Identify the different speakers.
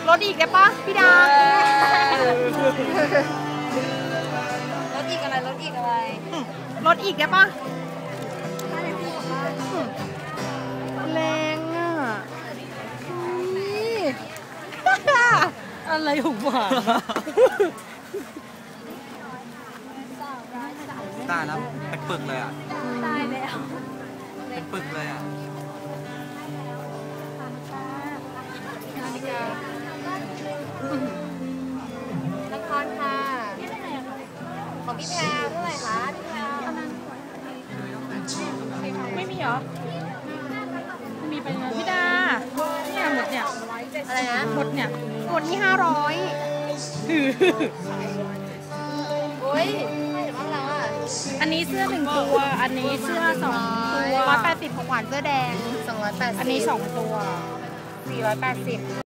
Speaker 1: ลดอีกได้ปะพี่ดาลดอีกอะไรลดอีกอะไรลดอีกได้ปะแรงอ่ะอะไรของหวาน
Speaker 2: ตายแล้วเป็นปึกเลยอ่ะ
Speaker 1: ตายแล้ว
Speaker 2: เป็นปึกเลยอ่ะ
Speaker 1: ละครค่ะของพี่แพรเท่าไหร่คะพี่แพรไม่มีเหรอมีไปเลยพี่ดาเนี่ยหมดเนี่ยอะไรนะหมดเนี่ยหมดนี่500โอ้ยบ้านเราอ่ะอันนี้เสื้อ1ตัวอันนี้เสื้อ2ตัว180ของหวานเสื้อแดง280อันนี้2ตัว480